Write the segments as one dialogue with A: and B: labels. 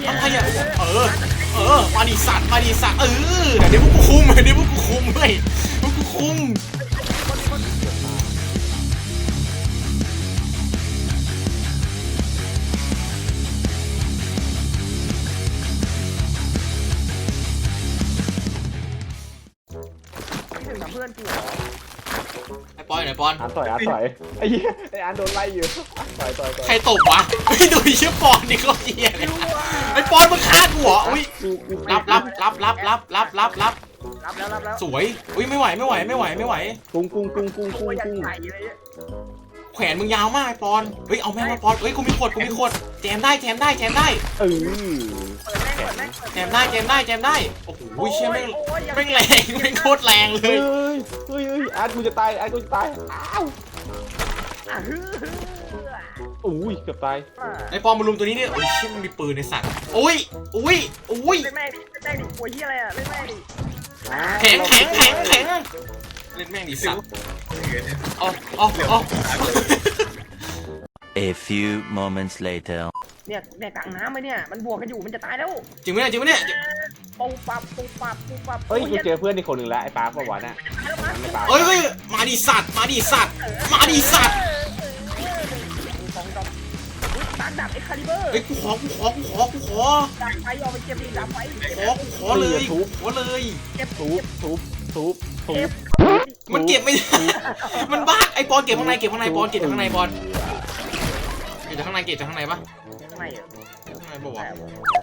A: อะไรอ่ะมาดิสัตว์เดี๋ยวพวกกูคุมเว้ยพวกกูคุม
B: เพื่อนกู
A: ไอ้ปอนไหนปอน
C: อ่านต่อยไอ้เหี้ยไอ้อ่านโดนไล่อยู่ต่อย
A: ใครตบวะไม่ดูชื่อปอนนี่เขาเหี้ยเลยไอ้ปอนมึงฆ่ากูเหรออุ้ยรับ
B: แล้ว
A: สวยอุ้ยไม่ไหว
C: กุ้ง
A: แขวนมึงยาวมากไอ้ปอนเฮ้ยเอาแม่งมาปอนเฮ้ยกูมีขดแจมได้
C: เออ
A: แจมได้โอ้โหเชี่ยแม่งแรงแม่งโคตรแรงเลย
C: เฮ้ยอาร์ตกูจะตายอ้าวอุ้ยเกือบตาย
A: ไอ้ปอนมาลุมตัวนี้เนี่ยโอ้ยเชี่ยมันมีปืนในสัตว์อุ้ย
B: เล่นแม่ดิป่วยเหี้ยอะไรอ่ะเล่นแม่ดิ
A: แข็งเล่นแม่งดิสัตว์อ๋อ
D: A few moments later
B: เนี่ยกลางน้ำไหมเนี่ยมันบวกกันอยู่มันจะตายแล้ว
A: จริงไหมเนี่ย
B: ปูปับ
C: เฮ้ยกูเจอเพื่อนอีกคนหนึ่งแล้วไอ้ปาปะวะน่ะ
A: เฮ้ยมาดิสัตว์
B: ตันดับเอ็กคาลิเบอร์
A: เฮ้ยกูขอ
B: ดับไฟออกไปเก็บดิดับไฟ
A: ขอเลย
B: เก็บ
C: ทุบ
A: มันเก็บไม่ได้มันบ้าไอ้ปอนเก็บข้างในปอนเก็บข้างในปะ
B: ข้างใน
A: ข้างในบอกว่า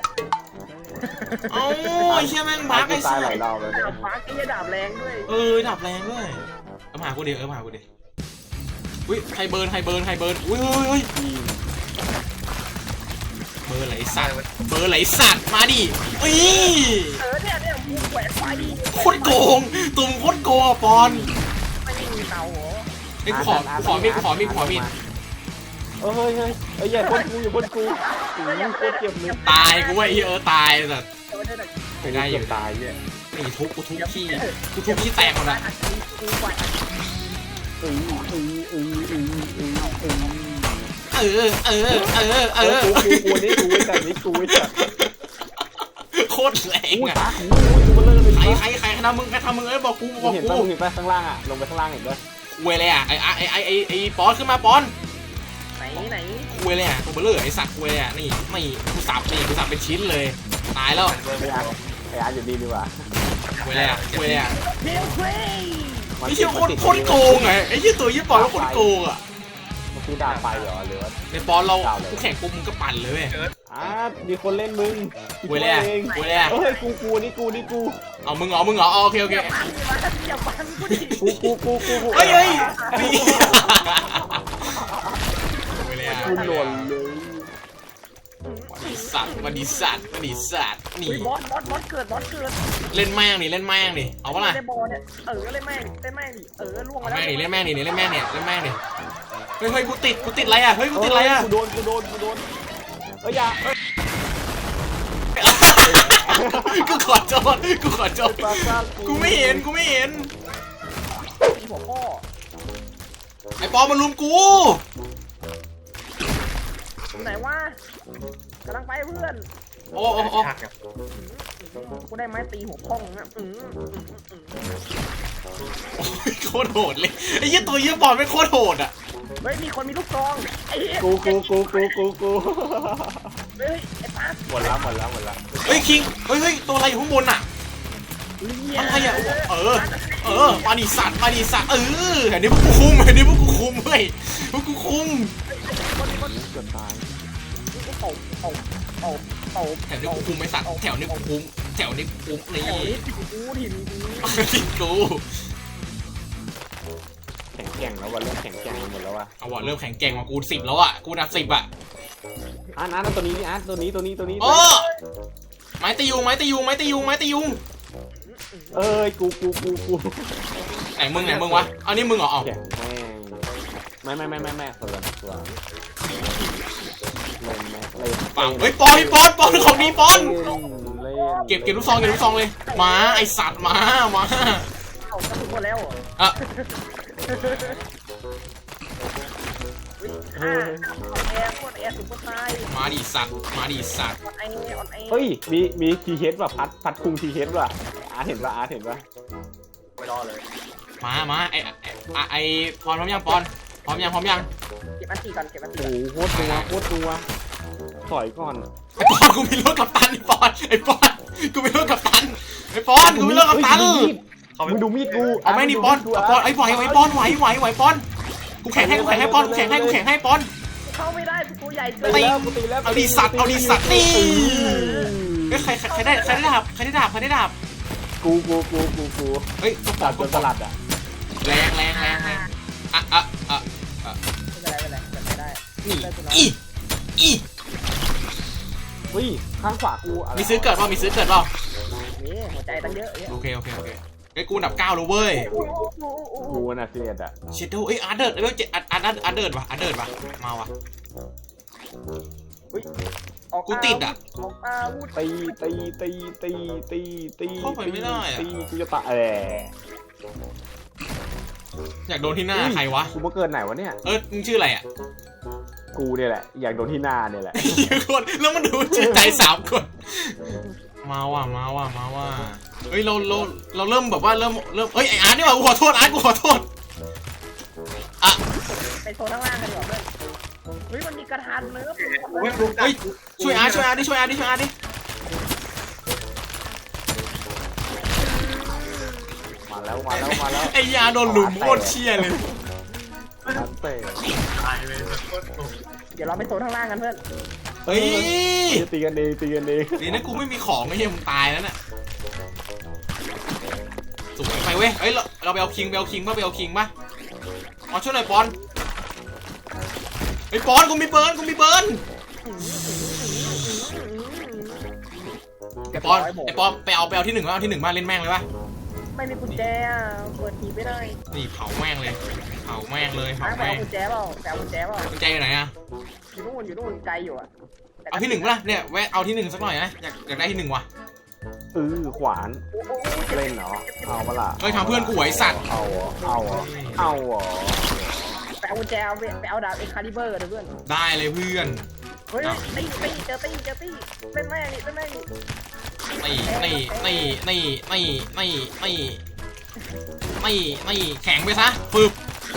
A: ไอ้เชี่ยแม่งบ้าไอ้สัตว์
C: เราเลย
B: บ้าไอ้ดาบแรงด้วย
A: ดาบแรงด้วยมาหากูดิอุ้ยใครเบิร์นอุ้ยเบอร์ไหลสัตว์มาดิ
B: เนี่ยมูแหวนไฟ
A: โคตรโกงตุ่มโคตรโกงปอน
B: ไม่มีเตาเหรอ
A: ไอ้ขอมีด
C: อย่าพ่นกูโคตรเจ็บเลย
A: ตายกูว่าตายแต่ไม่ได้อยู่
C: ตายเนี่ย
A: นี่ทุบขี้แตกหมดอ่ะ
C: กูนี่กูจะ
A: โคตรแรงอ่ะใครทำมึงบอกกู
C: เห็นไปข้างล่างอ่ะลงไปข้างล่างเห็นด้วย
A: เวเลยอ่ะไอ้ปอนขึ้นมาปอน
B: ไหน
A: เวเลยอ่ะตัวเบลอไอ้สัตว์เวเลยอ่ะนี่กูสับเป็นชิ้นเลยตายแล้ว
C: ไอ้อาร์อยู่ดีกว่า
A: เวเลยอ่ะ
B: ไ
A: อ้เชี่ยโคตรโกงไงไอ้เชี่ยตัวยี่ปอนโคตรโกงอ่ะ
C: มันคือดาบไฟเหรอหรือว่า
A: ในปอนเรากูแข่งปุ๊บมึงก็ปั่นเลยเว้ย
C: มีคนเล่นมึง
A: เวเลยอ่ะ
C: เฮ้ยกูนี่กู
A: เอามึงเหรอโอเค
B: อย่าบังกูดิ
A: เฮ้ยเวเลยอ่ะ
C: กูหล่นเลย
A: มาดิสัตว์นี่
B: บอสเกิด
A: เล่นแม่งดิเอาปะล่ะ
B: เล่นบอลเนี่ยเล่นแม่งดิล่วงมาแล้ว
A: เล่นแม่งดิเฮ้ยกูติดอะไรอ่ะกูติดอะไรอ่ะ
C: กูโดนอย่า
A: กูขอโทษกูไม่เห็น
B: หัวข้อ
A: ไอ้ปอมาลุมกู
B: ไหนวะกำลังไปเพื่อน
A: โอ้
B: กูได้ไม้ตีหัวข้องนะ
A: โคตรโหดเลยไอ้ยี่ตัวยี่บอลไม่โคตรโหดอ่ะ
B: เฮ้ยมีคนมีลูกซองไอ้
C: กู
B: เฮ้ยไอ้ป๊า
C: หมดแล้ว
A: เฮ้ยคิงเฮ้ยตัวอะไรอยู่ข้างบนอ่ะอะไรอ่ะมาดิสัตว์เดี๋ยวนี้พวกกูคุมเว้ยพวกกูคุม
C: เกือบตาย
A: แถวนี้กูคุมไม่สัตว์แถวนี้กูคุมนี่
B: ถิ่น
A: กู
C: แข่งแล้ววันเริ่มแข่งหมดแล้วว่ะ
A: เอาว่ะเริ่มแข่งแกร่งกว่ากู10แล้วอ่ะกูนับ10อ่ะ
C: อาร์ตตัวนี้ตัวนี้
A: ไม้ตียุง
C: กู
A: ไหนมึงวะเอานี่มึงเหรอเอา
C: ไม่คนละตัว
A: ปังเฮ้ยปอนของดีปอนเก็บลูกซองเลยมาไอสัตว์มา
B: เอาหมดแล้ว
A: อ่ะ
B: แอร์โคตรแอร์สุดโคตรตาย
A: มาดิสัตว์มาดิสัตว์
B: ออนไอออนไอ
C: เฮ้ยมีทีเฮดว่ะพัดคุงทีเฮดว่ะอาร์ตเห็นป่ะอาร์ตเห็นป่ะ
B: ไม่รอเลย
A: มาไอปอนพร้อมยังปอนพร้อมยัง
B: เก็บอันตีก่อนเก็บอันตี
C: โอ้โหโคตรนัวถอยก่อน
A: ไอปอนกูมีรถกัปตันไอปอนกูมีรถกัปตันไอปอนกูมีรถกัปตัน
C: มึงดูมีดกู
A: เอาไม่นี่ปอนปอนไอไหวปอนไหวปอนกูแข่งให้ปอนกูแข่งให้ปอน
B: เข้าไม่ได้ตัวใหญ่เกิน
C: ตีแล้วกูตีแล้ว
A: เอาดิสัตว์นี่เฮ้ยใครได้ดาบ
C: กู
A: เฮ้ย
C: สลัดอ่ะ
A: แรงอ่ะ
B: ไม่เป็นไรไม่ได้
A: นี่อี
C: เฮ้ยข้างขวากูอะไร
A: มีซื้อเกิดเปล่า
B: นี่หัวใจตั้งเยอะ
A: โอเคไอ้กูอันดับ9แล้วเว้ย
C: กูน่ะเสียดอ่ะ
A: เชดโดเอ้ยอาร์เดิร์ดเอ้ยอาร์เดิร์ดว่ะมาว่ะ กูติดอะ
B: ออกอาวุธ
C: ตี
A: เข้าไปไม่ได้อะ
C: ตีกูจะตาย
A: อยากโดนที่หน้าใครวะ
C: กูมาเกิดไหนวะเนี่ย
A: มึงชื่ออะไรอ่ะ
C: กูเนี่ยแหละอยากโดนที่หน้าเนี่ยแหละ
A: คนแล้วมันดูชื่อใจ3 คนมาว่ะเฮ้ยเราเริ่มแบบว่าเริ่มเฮ้ยไออาร์ตนี่ว่ะกูขอโทษอาร์ตกูขอโทษอ่ะ
B: ไปโซนข้างล่างกันดีกว่าเพื่อนเฮ้ยมันมีกระทานเนื้อ
A: เฮ้ยช่วยอาร์ตดิ
C: มาแล้ว
A: ไอ้ยาโดนหลุมโคตรเชี่ยเลย
C: เตะ
B: เดี๋ยวเราไปโซนข้างล่างกันเพื่อน
A: เฮ้ย
C: ตีกันเอง
A: ดีนะกูไม่มีของไอ้เหี้ยมึงตายแล้วน่ะสวยไปเว้ยเฮ้ยเราไปเอาคิงป่ะอ๋อช่วยหน่อยปอนไอ้ปอนกูมีเบิร์นไอ้ปอนไปเอาที่ 1มาเล่นแม่งเลยป่ะ
B: ไม่มีกุญแจเปิดทีไม่ได้
A: นี่เผาแม่งเลย
B: ไปเอากุญแจเปล่า
A: กุญแจอยู่ไหนอะ
B: อยู่นู่นไกลอยู่อ่ะ
A: เอาที่ 1ป่ะล่ะเนี่ยแวะเอาที่ 1สักหน่อยนะอยากได้ที่ 1ว่ะ
C: ขวานเล่นเหรอเอาปะล่ะ
A: เฮ้ยทำเพื่อนกูไอ้สัตว์
C: เอาเหรอ
B: ไปเอากุญแจไปเอาดาบเอ็กคาลิเบอร์เพื่อน
A: ได้เลยเพื่อน
B: เฮ้ยตีเจอตีเป็นแม่นี่
A: นี่แข็งไปซะฟึบ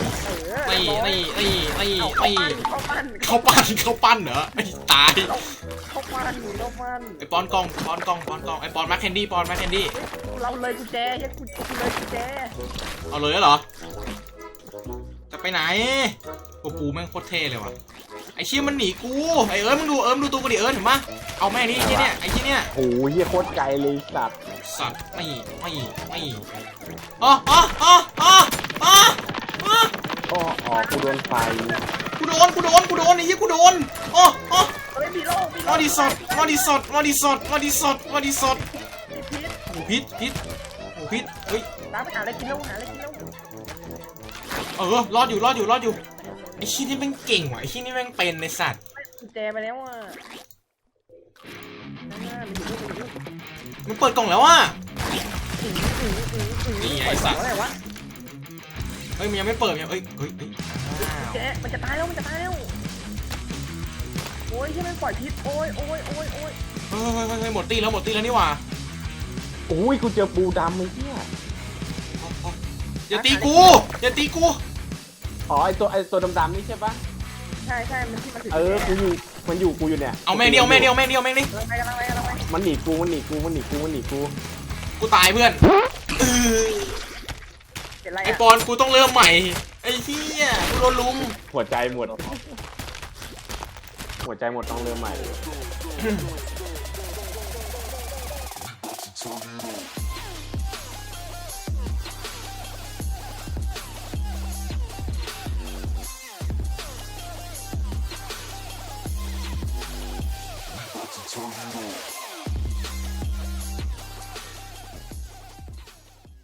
A: เขาปั้นเหรอไอ้ตาย
B: เขาปั้น
A: ไอ้ปอนกองไอ้ปอนแม็กแคนดี้
B: เราเลยกุญแจกูเลยกุญแจ
A: เอาเลยเหรอจะไปไหนปูแม่งโคตรเท่เลยว่ะไอ้เชี่ยมันหนีกูไอ้มึงดูดูตัวกูดิเห็นปะเอาแม่นี่ไอ้เชี่ยเนี่ย
C: โอ้ยเฮียโคตรไกลเลยสัตว์
A: ไม่
C: กูโดนไฟ
A: กูโดนไอ้เหี้ยกูโดนมาดิสดพิษเฮ้ย
B: น้ำไปหาอะไรกินแล้ว
A: รอดอยู่ไอ้ชี้นี่แม่งเก่งว่ะไอ้ชี้นี่แม่งเป็นในสัตว์
B: กุญแจไปแล้วอ่ะ
A: มันเปิดกล่องแล้วอ่ะนี่ไอ้สัตว์
B: อะไรวะ
A: เฮ้ยมันยังไม่เปิดเฮ้ย
B: แกมันจะตายแล้วโอ้ยที่มันปล่อยพิษโอ้ย
A: เฮ้ยหมดตีแล้วนี่หว่า
C: โอ้ยกูเจอปูดำไอ้เหี้ย
A: อย่าตีกู
C: อ๋อไอตัวดำๆนี่ใช่ปะ
B: ใช่มันที่มันถือ
C: กูอยู่เนี่ย
A: เอาแม่งดิ
B: กำลังไป
C: มันหนีกู
A: กูตายเพื่อน
B: เป็นไร
A: ไอปอนกูต้องเริ่มใหม่ไอ้เหี้ยกูโดนลุม
C: หัวใจหมดต้องเริ่มใหม่
E: Tornado.